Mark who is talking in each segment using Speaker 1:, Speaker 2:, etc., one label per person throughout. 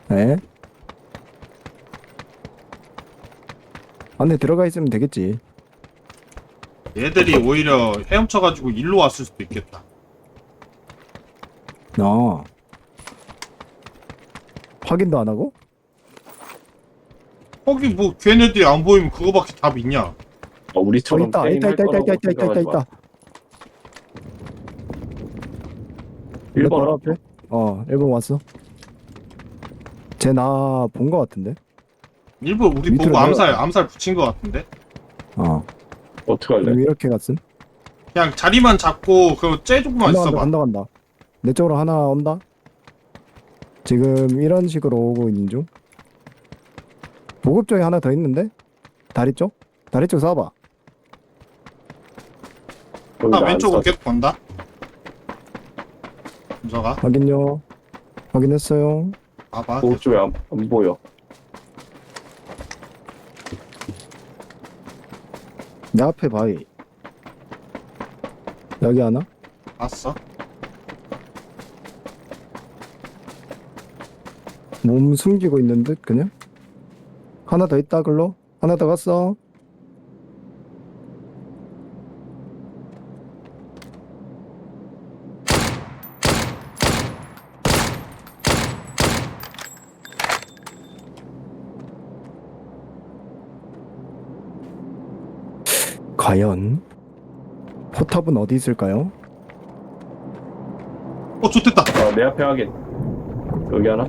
Speaker 1: 에? 안에 들어가 있으면 되겠지.
Speaker 2: 얘들이 오히려 헤엄쳐가지고 일로 왔을 수도 있겠다.
Speaker 1: 아. 확인도 안 하고?
Speaker 2: 거기 뭐 걔네들이 안 보이면 그거밖에 답 있냐?
Speaker 3: 우리처럼
Speaker 1: 있다.
Speaker 3: 게임
Speaker 1: 있다,
Speaker 3: 할
Speaker 1: 있다, 있다,
Speaker 3: 거라고
Speaker 1: 있다, 있다,
Speaker 3: 생각하지
Speaker 1: 있다,
Speaker 3: 마.
Speaker 1: 있다. 내
Speaker 3: 1번
Speaker 1: 바로
Speaker 3: 앞에?
Speaker 1: 앞에? 1번 왔어. 쟤 나 본 거 같은데?
Speaker 2: 일부러 우리
Speaker 1: 밑으로
Speaker 2: 보고 암살
Speaker 1: 내려가.
Speaker 2: 암살 붙인 것 같은데?
Speaker 1: 어.
Speaker 3: 어떻게 할래?
Speaker 1: 왜 이렇게 갔음?
Speaker 2: 그냥 자리만 잡고 그 쟤조금만
Speaker 1: 간다,
Speaker 2: 있어봐.
Speaker 1: 간다, 간다, 간다. 내 쪽으로 하나 온다? 지금 이런 식으로 오고 있는 중. 보급 쪽에 하나 더 있는데? 다리 쪽? 다리 쪽 쏴봐.
Speaker 3: 거기
Speaker 2: 나
Speaker 3: 나안
Speaker 2: 왼쪽으로
Speaker 3: 쏴줘.
Speaker 2: 계속 본다. 문서가
Speaker 1: 확인요. 확인했어요.
Speaker 2: 봐봐.
Speaker 3: 보급 쪽에 안 보여.
Speaker 1: 내 앞에 바위. 여기 하나?
Speaker 2: 봤어?
Speaker 1: 몸 숨기고 있는 듯 그냥? 하나 더 있다 글로? 하나 더 갔어. 과연 포탑은 어디 있을까요?
Speaker 2: 좋됐다.
Speaker 3: 내 앞에 확인. 여기 하나?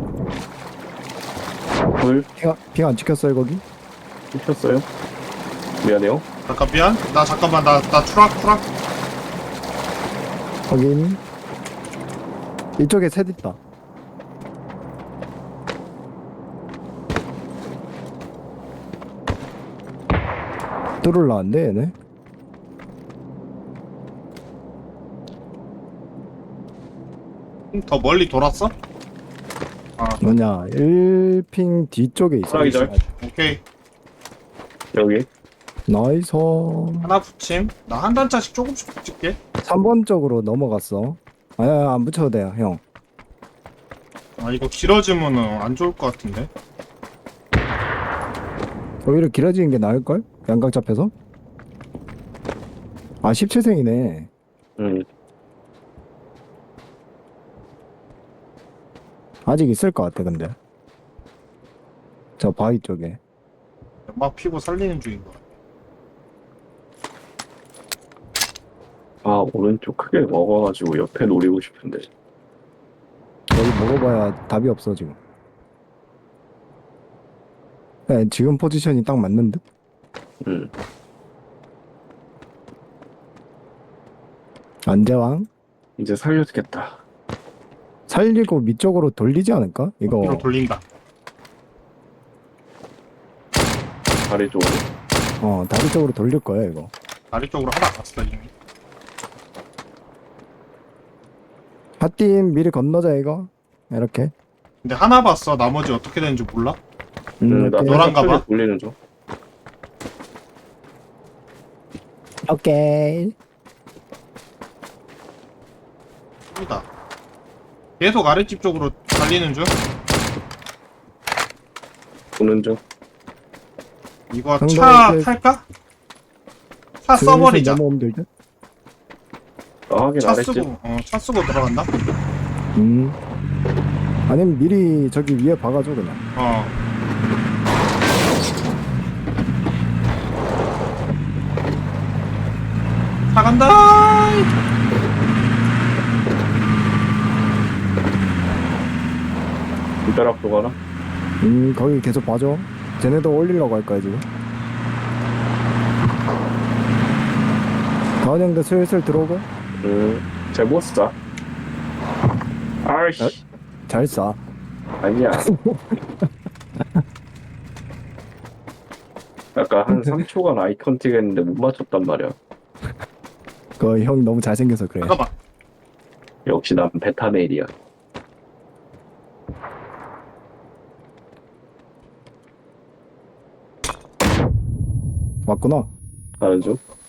Speaker 3: 불
Speaker 1: 핑 안 찍혔어요 거기?
Speaker 3: 켰어요. 미안해요.
Speaker 2: 잠깐 미안. 나 잠깐만 나 추락.
Speaker 1: 확인. 이쪽에 셋 있다. 뚫을라는데 얘네?
Speaker 2: 더 멀리 돌았어?
Speaker 1: 뭐냐 1핑 뒤쪽에 있어.
Speaker 3: 하나 기절.
Speaker 2: 오케이.
Speaker 3: 여기.
Speaker 1: 나이스.
Speaker 2: 하나 붙임. 나 한 단짜씩 조금씩 붙일게.
Speaker 1: 3번 쪽으로 넘어갔어. 아야 안 붙여도 돼요 형.
Speaker 2: 이거 길어지면은 안 좋을 것 같은데.
Speaker 1: 오히려 길어지는 게 나을걸? 양각 잡혀서? 17생이네. 아직 있을 것 같아 근데 저 바위 쪽에.
Speaker 2: 막 피고 살리는 중인 거야.
Speaker 3: 오른쪽 크게 먹어가지고 옆에 노리고 싶은데.
Speaker 1: 여기 먹어봐야 답이 없어 지금. 네, 지금 포지션이 딱 맞는 듯? 안재왕?
Speaker 3: 이제 살려주겠다.
Speaker 1: 살리고 밑쪽으로 돌리지 않을까?
Speaker 2: 뒤로
Speaker 1: 이거
Speaker 2: 돌린다.
Speaker 3: 다리 쪽으로.
Speaker 1: 다리 쪽으로 돌릴 거야 이거.
Speaker 2: 다리 쪽으로 하나 갔어 이미.
Speaker 1: 핫팀 미리 건너자 이거. 이렇게.
Speaker 2: 근데 하나 봤어. 나머지 어떻게 되는지 몰라?
Speaker 3: 나
Speaker 1: 이렇게.
Speaker 2: 노란가 봐.
Speaker 3: 돌리는 중.
Speaker 1: 오케이.
Speaker 2: 여기다. 계속 아랫집 쪽으로 달리는 중.
Speaker 3: 보는 중.
Speaker 2: 이거
Speaker 1: 형도
Speaker 2: 차
Speaker 1: 이제
Speaker 2: 탈까? 차 써버리자.
Speaker 1: 넘어오면 될 듯?
Speaker 3: 확인
Speaker 2: 차
Speaker 3: 안 했지?
Speaker 2: 쓰고 차 쓰고 들어간다.
Speaker 1: 아니면 미리 저기 위에 박아줘 그냥.
Speaker 2: 차 간다.
Speaker 3: 담벼락도 가나?
Speaker 1: 거기 계속 봐줘. 쟤네도 올리려고 할 거야 지금. 다은 형도 슬슬 들어오고.
Speaker 3: 제못 쏴. 아이씨.
Speaker 1: 어? 잘 쏴.
Speaker 3: 아니야. 약간 한 3초간 아이 컨택 했는데 못 맞췄단 말이야.
Speaker 1: 그 형 너무 잘생겨서 그래.
Speaker 2: 잠깐만.
Speaker 3: 역시 난 베타메일이야.
Speaker 1: 왔구나.
Speaker 3: 가는 중?